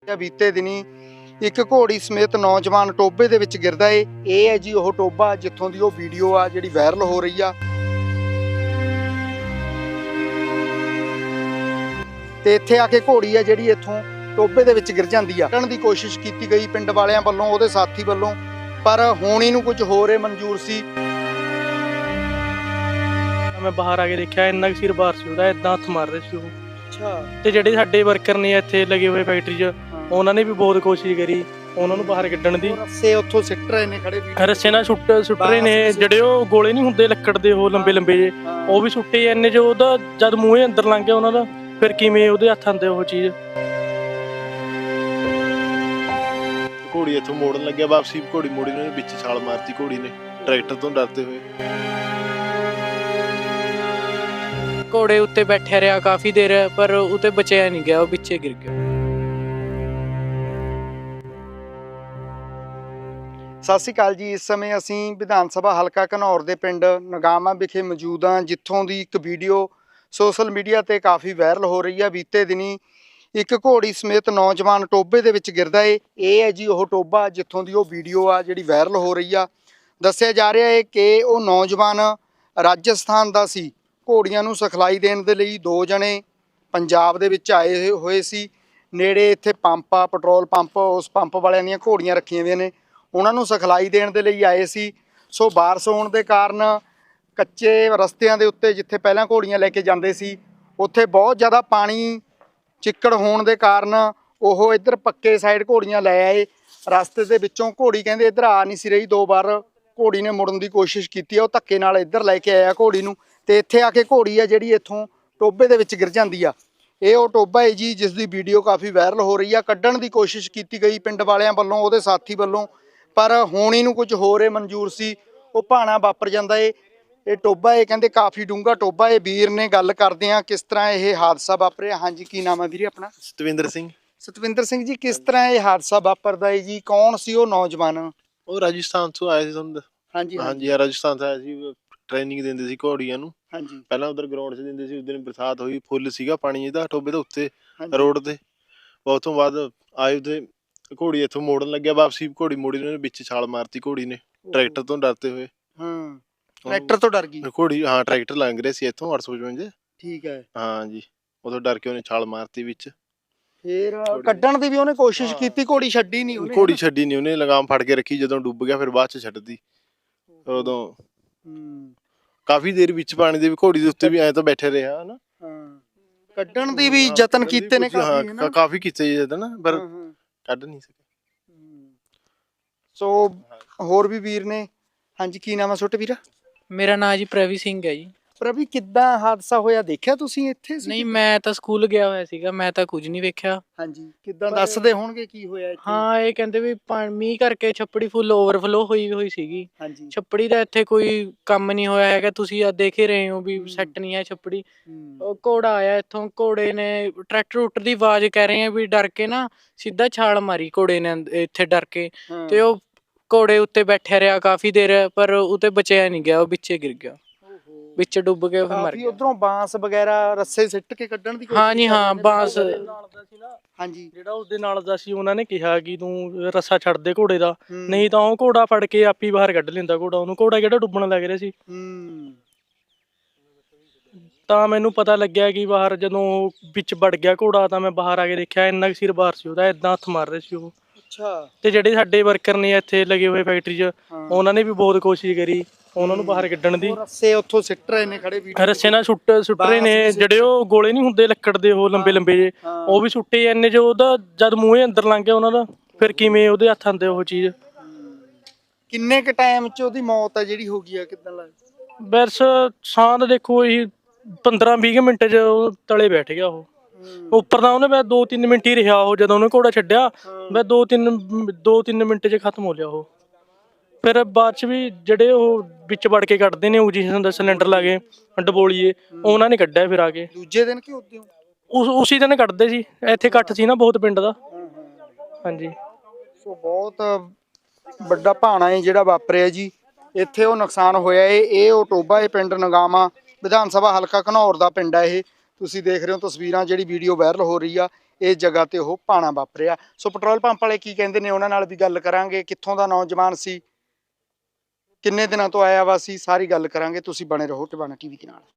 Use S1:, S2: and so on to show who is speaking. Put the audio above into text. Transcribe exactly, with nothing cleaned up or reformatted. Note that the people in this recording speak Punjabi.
S1: बीते दिनी एक घोड़ी समेत नौजवान टोबे दे विच गिरदा है। ਇਹ ਹੈ ਜੀ ਉਹ ਟੋਬਾ ਜਿੱਥੋਂ ਦੀ ਉਹ ਵੀਡੀਓ ਆ ਜਿਹੜੀ ਵਾਇਰਲ ਹੋ ਰਹੀ ਆ ਤੇ ਇੱਥੇ ਆ ਕੇ ਘੋੜੀ ਆ ਜਿਹੜੀ ਇੱਥੋਂ ਟੋਬੇ ਦੇ ਵਿੱਚ ਗਿਰ ਜਾਂਦੀ ਆ। ਕੱਢਣ ਦੀ ਕੋਸ਼ਿਸ਼ ਕੀਤੀ ਗਈ ਪਿੰਡ ਵਾਲਿਆਂ ਵੱਲੋਂ, ਉਹਦੇ ਸਾਥੀ ਵੱਲੋਂ, ਪਰ ਹੋਣੀ ਨੂੰ ਕੁਝ ਹੋਰ ਮਨਜ਼ੂਰ ਸੀ।
S2: मैं बाहर आके देखा इन्ना सिर बाहर से ਉਹਦਾ ਇਦਾਂ ਹੱਥ ਮਾਰ ਰਹੇ ਸੀ ਉਹ।
S1: ਅੱਛਾ।
S2: ਤੇ ਜਿਹੜੇ ਸਾਡੇ ਵਰਕਰ ਨੇ ਇੱਥੇ ਲੱਗੇ ਹੋਏ ਫੈਕਟਰੀ 'ਚ ਉਹਨਾਂ ਨੇ ਵੀ ਬਹੁਤ ਕੋਸ਼ਿਸ਼ ਕਰੀ ਉਹਨਾਂ ਨੂੰ ਬਾਹਰ ਕੱਢਣ ਦੀ।
S1: ਰੱਸੇ ਉੱਥੋਂ ਸਿੱਟ ਰਹੇ ਨੇ ਖੜੇ ਵੀ,
S2: ਰੱਸੇ ਨਾਲ ਸੁੱਟ ਸੁੱਟ ਰਹੇ ਨੇ, ਜਿਹੜੇ ਉਹ ਗੋਲੇ ਨਹੀਂ ਹੁੰਦੇ ਲੱਕੜ ਦੇ ਉਹ ਲੰਬੇ ਲੰਬੇ ਜੇ, ਉਹ ਵੀ ਸੁੱਟੇ ਇੰਨੇ ਜੋ ਉਹਦਾ ਜਦ ਮੂੰਹੇ ਅੰਦਰ ਲੰਘ ਗਿਆ ਉਹਨਾਂ ਦਾ, ਫਿਰ ਕਿਵੇਂ ਉਹਦੇ ਹੱਥ ਆਂਦੇ ਉਹ ਚੀਜ਼।
S3: ਘੋੜੀ ਇੱਥੋਂ ਮੋੜਨ ਲੱਗਿਆ ਵਾਪਸੀ, ਘੋੜੀ ਮੋੜੀ ਨੇ ਵਿੱਚ ਛਾਲ ਮਾਰਤੀ ਘੋੜੀ ਨੇ ਟਰੈਕਟਰ ਤੋਂ ਡਰਦੇ ਹੋਏ।
S4: ਘੋੜੇ ਉੱਤੇ ਬੈਠਿਆ ਰਿਹਾ ਕਾਫੀ ਦੇਰ, ਪਰ ਉਤੇ ਬਚਿਆ ਨਹੀਂ ਗਿਆ, ਉਹ ਪਿੱਛੇ ਗਿਰ ਗਿਆ।
S1: ਸਤਿ ਸ਼੍ਰੀ ਅਕਾਲ ਜੀ। ਇਸ ਸਮੇਂ ਅਸੀਂ ਵਿਧਾਨ ਸਭਾ ਹਲਕਾ ਘਨੌਰ ਦੇ ਪਿੰਡ ਨਗਾਮਾ ਵਿਖੇ ਮੌਜੂਦ ਹਾਂ, ਜਿੱਥੋਂ ਦੀ ਇੱਕ ਵੀਡੀਓ ਸੋਸ਼ਲ ਮੀਡੀਆ ਤੇ ਕਾਫੀ ਵਾਇਰਲ ਹੋ ਰਹੀ ਹੈ। ਬੀਤੇ ਦਿਨੀ ਇੱਕ ਘੋੜੀ ਸਮੇਤ ਨੌਜਵਾਨ ਟੋਬੇ ਦੇ ਵਿੱਚ ਗਿਰਦਾ ਏ। ਇਹ ਹੈ ਜੀ ਉਹ ਟੋਬਾ ਜਿੱਥੋਂ ਦੀ ਉਹ ਵੀਡੀਓ ਆ ਜਿਹੜੀ ਵਾਇਰਲ ਹੋ ਰਹੀ ਆ। ਦੱਸਿਆ ਜਾ ਰਿਹਾ ਹੈ ਕਿ ਉਹ ਨੌਜਵਾਨ ਰਾਜਸਥਾਨ ਦਾ ਸੀ। ਘੋੜੀਆਂ ਨੂੰ ਸਿਖਲਾਈ ਦੇਣ ਦੇ ਲਈ ਦੋ ਜਣੇ ਪੰਜਾਬ ਦੇ ਵਿੱਚ ਆਏ ਹੋਏ ਸੀ। ਨੇੜੇ ਇੱਥੇ ਪੰਪ ਆ, ਪੈਟਰੋਲ ਪੰਪ, ਉਸ ਪੰਪ ਵਾਲਿਆਂ ਦੀਆਂ ਘੋੜੀਆਂ ਰੱਖੀਆਂ ਹੋਈਆਂ ਨੇ, ਉਹਨਾਂ ਨੂੰ ਸਿਖਲਾਈ ਦੇਣ ਦੇ ਲਈ ਆਏ ਸੀ। ਸੋ ਬਾਰਿਸ਼ ਹੋਣ ਦੇ ਕਾਰਨ ਕੱਚੇ ਰਸਤਿਆਂ ਦੇ ਉੱਤੇ ਜਿੱਥੇ ਪਹਿਲਾਂ ਘੋੜੀਆਂ ਲੈ ਕੇ ਜਾਂਦੇ ਸੀ, ਉੱਥੇ ਬਹੁਤ ਜ਼ਿਆਦਾ ਪਾਣੀ ਚਿੱਕੜ ਹੋਣ ਦੇ ਕਾਰਨ ਉਹ ਇੱਧਰ ਪੱਕੇ ਸਾਈਡ ਘੋੜੀਆਂ ਲੈ ਆਏ। ਰਸਤੇ ਦੇ ਵਿੱਚੋਂ ਘੋੜੀ ਕਹਿੰਦੇ ਇੱਧਰ ਆ ਨਹੀਂ ਸੀ ਰਹੀ, ਦੋ ਵਾਰ ਘੋੜੀ ਨੇ ਮੁੜਨ ਦੀ ਕੋਸ਼ਿਸ਼ ਕੀਤੀ ਆ, ਉਹ ਧੱਕੇ ਨਾਲ ਇੱਧਰ ਲੈ ਕੇ ਆਇਆ ਘੋੜੀ ਨੂੰ, ਤੇ ਇੱਥੇ ਆ ਕੇ ਘੋੜੀ ਆ ਜਿਹੜੀ ਇੱਥੋਂ ਟੋਬੇ ਦੇ ਵਿੱਚ ਗਿਰ ਜਾਂਦੀ ਆ। ਇਹ ਉਹ ਟੋਬਾ ਹੈ ਜੀ ਜਿਸ ਦੀ ਵੀਡੀਓ ਕਾਫੀ ਵਾਇਰਲ ਹੋ ਰਹੀ ਆ। ਕੱਢਣ ਦੀ ਕੋਸ਼ਿਸ਼ ਕੀਤੀ ਗਈ ਪਿੰਡ ਵਾਲਿਆਂ ਵੱਲੋਂ, ਉਹਦੇ ਸਾਥੀ ਵੱਲੋਂ, ਪਰ ਹੋਣੀ ਨੂੰ ਕੁਝ ਹੋਰ ਮਨਜ਼ੂਰ ਸੀ। ਉਹ ਭਾਣਾ ਵਾਪਰ ਜਾਂਦਾ ਏ। ਇਹ ਟੋਬਾ ਇਹ ਕਹਿੰਦੇ ਕਾਫੀ ਡੂੰਘਾ ਟੋਬਾ। ਇਹ ਵੀਰ ਨੇ ਗੱਲ ਕਰਦੇ ਆ ਕਿਸ ਤਰ੍ਹਾਂ ਇਹ ਹਾਦਸਾ ਵਾਪਰਿਆ। ਹਾਂਜੀ, ਕੀ ਨਾਮ ਹੈ ਵੀਰੇ ਆਪਣਾ?
S3: ਸਤਵਿੰਦਰ ਸਿੰਘ।
S1: ਸਤਵਿੰਦਰ ਸਿੰਘ ਜੀ, ਕਿਸ ਤਰ੍ਹਾਂ ਇਹ ਹਾਦਸਾ ਵਾਪਰਦਾ ਹੈ ਜੀ? ਕੌਣ ਸੀ ਉਹ ਨੌਜਵਾਨ?
S3: ਉਹ ਰਾਜਸਥਾਨ ਤੋਂ ਆਏ ਸੀ। ਤੁਹਾਨੂੰ
S1: ਹਾਂਜੀ
S3: ਹਾਂਜੀ ਰਾਜਸਥਾਨ ਤੋਂ ਆਏ ਸੀ, ਟ੍ਰੇਨਿੰਗ ਦਿੰਦੇ ਸੀ ਘੋੜੀਆਂ ਨੂੰ।
S1: ਹਾਂਜੀ।
S3: ਪਹਿਲਾਂ ਉਧਰ ਗਰਾਊਂਡ 'ਚ ਦਿੰਦੇ ਸੀ। ਉਸ ਦਿਨ ਬਰਸਾਤ ਹੋਈ, ਫੁੱਲ ਸੀਗਾ ਪਾਣੀ ਇਹਦਾ ਟੋਬੇ ਦੇ ਉੱਤੇ ਰੋਡ ਤੇ। ਬਹੁਤ ਤੋਂ ਬਾਅਦ ਆਏ ਉਹਦੇ ਘੋੜੀ ਇੱਥੋਂ ਮੋੜਨ ਲੱਗਿਆ ਵਾਪਸੀ, ਘੋੜੀ ਮੋੜੀ ਨੇ ਵਿੱਚ ਛਾਲ ਮਾਰਤੀ ਘੋੜੀ ਨੇ ਟਰੈਕਟਰ ਤੋਂ ਡਰਦੇ ਹੋਏ।
S1: ਹਾਂ, ਟਰੈਕਟਰ ਤੋਂ ਡਰ ਗਈ
S3: ਘੋੜੀ। ਹਾਂ, ਟਰੈਕਟਰ ਲੰਘ ਰਿਹਾ ਸੀ ਇੱਥੋਂ ਅੱਠ ਸੌ ਪਚਵੰਜਾ।
S1: ਠੀਕ ਹੈ।
S3: ਹਾਂ ਜੀ, ਉਦੋਂ ਡਰ ਕੇ ਉਹਨੇ ਛਾਲ ਮਾਰਤੀ ਵਿੱਚ।
S1: ਫੇਰ ਕੱਢਣ ਦੀ ਵੀ ਉਹਨੇ ਕੋਸ਼ਿਸ਼ ਕੀਤੀ, ਘੋੜੀ ਛੱਡੀ ਨਹੀਂ ਉਹਨੇ।
S3: ਘੋੜੀ ਛੱਡੀ ਨਹੀਂ ਉਹਨੇ, ਲਗਾਮ ਫੜ ਕੇ ਰੱਖੀ। ਜਦੋਂ ਡੁੱਬ ਗਿਆ ਫਿਰ ਬਾਅਦ ਚ ਛੱਡਦੀ। ਉਦੋਂ ਕਾਫੀ ਦੇਰ ਵਿੱਚ ਪਾਣੀ ਦੇ ਵੀ ਘੋੜੀ ਦੇ ਉੱਤੇ ਵੀ ਐਂ ਤਾਂ ਬੈਠੇ ਰਿਹਾ ਹਨਾ।
S1: ਹਾਂ, ਕੱਢਣ ਦੀ ਵੀ ਯਤਨ ਕੀਤੇ ਨੇ ਕਾਫੀ ਹਨਾ।
S3: ਕਾਫੀ ਕੀਤੇ ਯਤਨ, ਪਰ ਕੱਢ ਨਹੀਂ ਸਕੇ।
S1: ਸੋ ਹੋਰ ਵੀ ਵੀਰ ਨੇ। ਹਾਂਜੀ, ਕੀ ਨਾਮ ਹੈ ਛੋਟੇ ਵੀਰਾ?
S4: ਮੇਰਾ ਨਾਂ ਜੀ ਪ੍ਰਵੀ ਸਿੰਘ ਹੈ ਜੀ।
S1: ਪ੍ਰਵੀ, ਕਿੱਦਾਂ ਹਾਦਸਾ ਹੋਇਆ? ਦੇਖਿਆ ਤੁਸੀਂ ਇੱਥੇ ਸੀ?
S4: ਨਹੀਂ, ਮੈਂ ਤਾਂ ਸਕੂਲ ਗਿਆ ਹੋਇਆ ਸੀਗਾ, ਮੈਂ ਤਾਂ ਕੁਝ ਨਹੀਂ ਵੇਖਿਆ।
S1: ਹਾਂਜੀ, ਕਿੱਦਾਂ ਦੱਸਦੇ ਹੋਣਗੇ ਕੀ ਹੋਇਆ ਇੱਥੇ?
S4: ਹਾਂ, ਇਹ ਕਹਿੰਦੇ ਵੀ ਮੀਂਹ ਕਰਕੇ ਛੱਪੜੀ ਫੁੱਲ ਓਵਰਫਲੋ ਹੋਈ ਹੋਈ ਸੀਗੀ।
S1: ਹਾਂਜੀ।
S4: ਛੱਪੜੀ ਦਾ ਇੱਥੇ ਕੋਈ ਕੰਮ ਨਹੀਂ ਹੋਇਆ ਹੈਗਾ, ਤੁਸੀਂ ਆ ਦੇਖ ਹੀ ਰਹੇ ਹੋ ਵੀ ਸੈੱਟ ਨਹੀਂ ਹੈ ਛੱਪੜੀ। ਉਹ ਘੋੜਾ ਆਇਆ ਇੱਥੋਂ, ਘੋੜੇ ਨੇ ਟਰੈਕਟਰ ਉੱਟਰ ਦੀ ਆਵਾਜ਼ ਕਹਿ ਰਹੇ ਆ ਵੀ ਡਰ ਕੇ ਨਾ ਸਿੱਧਾ ਛਾਲ ਮਾਰੀ ਘੋੜੇ ਨੇ ਇੱਥੇ ਡਰ ਕੇ, ਤੇ ਉਹ ਘੋੜੇ ਉੱਤੇ ਬੈਠਿਆ ਰਿਹਾ ਕਾਫੀ ਦੇਰ, ਪਰ ਉਤੇ ਬਚਿਆ ਨਹੀਂ ਗਿਆ, ਉਹ ਪਿੱਛੇ ਗਿਰ ਗਿਆ, ਵਿੱਚ ਡੁੱਬ ਕੇ ਫਿਰ ਮਰ ਗਿਆ।
S1: ਉਧਰੋਂ ਬਾਂਸ ਵਗੈਰਾ ਰੱਸੇ ਸਿੱਟ ਕੇ ਕੱਢਣ ਦੀ ਕੋਸ਼ਿਸ਼।
S4: ਹਾਂ ਜੀ, ਹਾਂ, ਬਾਂਸ।
S1: ਹਾਂਜੀ।
S2: ਜਿਹੜਾ ਉਸਦੇ ਨਾਲ ਦਾ ਸੀ ਉਹਨਾਂ ਨੇ ਕਿਹਾ ਕਿ ਤੂੰ ਰੱਸਾ ਛੱਡ ਦੇ ਘੋੜੇ ਦਾ, ਨਹੀਂ ਤਾਂ ਉਹ ਘੋੜਾ ਫੜ ਕੇ ਆਪੀ ਬਾਹਰ ਕੱਢ ਲੈਂਦਾ ਘੋੜਾ ਉਹਨੂੰ। ਘੋੜਾ ਕਿਹੜਾ ਡੁੱਬਣ ਲੱਗ ਰਿਹਾ ਸੀ। ਤਾਂ ਮੈਨੂੰ ਪਤਾ ਲੱਗਿਆ ਕਿ ਬਾਹਰ ਜਦੋਂ ਵਿੱਚ ਵੜ ਗਿਆ ਘੋੜਾ, ਤਾਂ ਮੈਂ ਬਾਹਰ ਆ ਕੇ ਦੇਖਿਆ ਇੰਨਾ ਸਿਰ ਬਾਹਰ ਸੀ ਉਹਦਾ, ਇਦਾਂ ਹੱਥ ਮਾਰ ਰਹੇ ਸੀ ਉਹ।
S1: ਅੱਛਾ। ਤੇ
S2: ਜਿਹੜੇ ਸਾਡੇ ਵਰਕਰ ਨੇ ਇੱਥੇ ਲੱਗੇ ਹੋਏ ਫੈਕਟਰੀ 'ਚ ਉਹਨਾਂ ਨੇ ਵੀ ਬਹੁਤ ਕੋਸ਼ਿਸ਼ ਕਰੀ ਉਹਨਾਂ ਨੂੰ ਬਾਹਰ ਕੱਢਣ ਦੀ।
S1: ਰੱਸੇ ਉੱਥੋਂ ਸਿੱਟ ਰਹੇ ਨੇ ਖੜੇ ਵੀ,
S2: ਰੱਸੇ ਨਾਲ ਸੁੱਟ ਸੁੱਟ ਰਹੇ ਨੇ, ਜਿਹੜੇ ਉਹ ਗੋਲੇ ਨਹੀਂ ਹੁੰਦੇ ਲੱਕੜ ਦੇ ਉਹ ਲੰਬੇ ਲੰਬੇ ਜੇ, ਉਹ ਵੀ ਸੁੱਟੇ ਇੰਨੇ ਜੋ ਉਹਦਾ ਜਦ ਮੂੰਹੇ ਅੰਦਰ ਲੰਘ ਗਿਆ ਉਹਨਾਂ ਦਾ, ਫਿਰ ਕਿਵੇਂ ਉਹਦੇ ਹੱਥ ਆਂਦੇ ਉਹ ਚੀਜ਼।
S1: ਕਿੰਨੇ ਕ ਟਾਈਮ 'ਚ ਉਹਦੀ ਮੌਤ ਆ ਜਿਹੜੀ ਹੋ ਗਈ ਆ? ਕਿੱਦਾਂ ਲੱਗਦਾ?
S2: ਬਸ ਸਾਹ ਤਾਂ ਦੇਖੋ ਇਹੀ ਪੰਦਰਾਂ ਵੀਹ ਮਿੰਟ 'ਚ ਉਹ ਤਲੇ ਬੈਠ ਗਿਆ ਉਹ ਉੱਪਰ। ਤਾਂ ਉਹਨੇ ਬਸ ਦੋ ਤਿੰਨ ਮਿੰਟ ਹੀ ਰਿਹਾ ਉਹ, ਜਦੋਂ ਉਹਨੇ ਘੋੜਾ ਛੱਡਿਆ ਬਸ ਦੋ ਤਿੰਨ ਦੋ ਤਿੰਨ ਮਿੰਟ 'ਚ ਖਤਮ ਹੋ ਲਿਆ ਉਹ। ਫਿਰ ਬਾਅਦ 'ਚ ਵੀ ਜਿਹੜੇ ਉਹ ਵਿੱਚ ਵੜ ਕੇ ਕੱਢਦੇ ਨੇ ਆਕਸੀਜਨ ਦਾ ਸਿਲੰਡਰ ਲਾ ਕੇ ਡਬੋਲੀਏ, ਉਹਨਾਂ ਨੇ ਕੱਢਿਆ ਫਿਰ ਆ ਕੇ
S1: ਦੂਜੇ ਦਿਨ ਕਿ ਉਦੋਂ?
S2: ਉਸ ਉਸੇ ਦਿਨ ਕੱਢਦੇ ਸੀ, ਇੱਥੇ ਇਕੱਠ ਸੀ ਨਾ ਬਹੁਤ ਪਿੰਡ ਦਾ। ਹਾਂਜੀ।
S1: ਸੋ ਬਹੁਤ ਵੱਡਾ ਭਾਣਾ ਹੈ ਜਿਹੜਾ ਵਾਪਰਿਆ ਜੀ ਇੱਥੇ, ਉਹ ਨੁਕਸਾਨ ਹੋਇਆ ਏ। ਇਹ ਉਹ ਟੋਬਾ ਇਹ ਪਿੰਡ ਨਗਾਮਾ ਵਿਧਾਨ ਸਭਾ ਹਲਕਾ ਘਨੌਰ ਦਾ ਪਿੰਡ ਹੈ ਇਹ। ਤੁਸੀਂ ਦੇਖ ਰਹੇ ਹੋ ਤਸਵੀਰਾਂ, ਜਿਹੜੀ ਵੀਡੀਓ ਵਾਇਰਲ ਹੋ ਰਹੀ ਆ। ਇਸ ਜਗ੍ਹਾ ਤੇ ਉਹ ਭਾਣਾ ਵਾਪਰਿਆ। ਸੋ ਪੈਟਰੋਲ ਪੰਪ ਵਾਲੇ ਕੀ ਕਹਿੰਦੇ ਨੇ ਉਹਨਾਂ ਨਾਲ ਵੀ ਗੱਲ ਕਰਾਂਗੇ, ਕਿੱਥੋਂ ਦਾ ਨੌਜਵਾਨ ਸੀ, ਕਿੰਨੇ ਦਿਨਾਂ ਤੋਂ ਆਇਆ ਵਾ ਸੀ, ਸਾਰੀ ਗੱਲ ਕਰਾਂਗੇ। ਤੁਸੀਂ ਬਣੇ ਰਹੋ ਟਿਵਾਣਾ ਟੀਵੀ ਦੇ ਨਾਲ।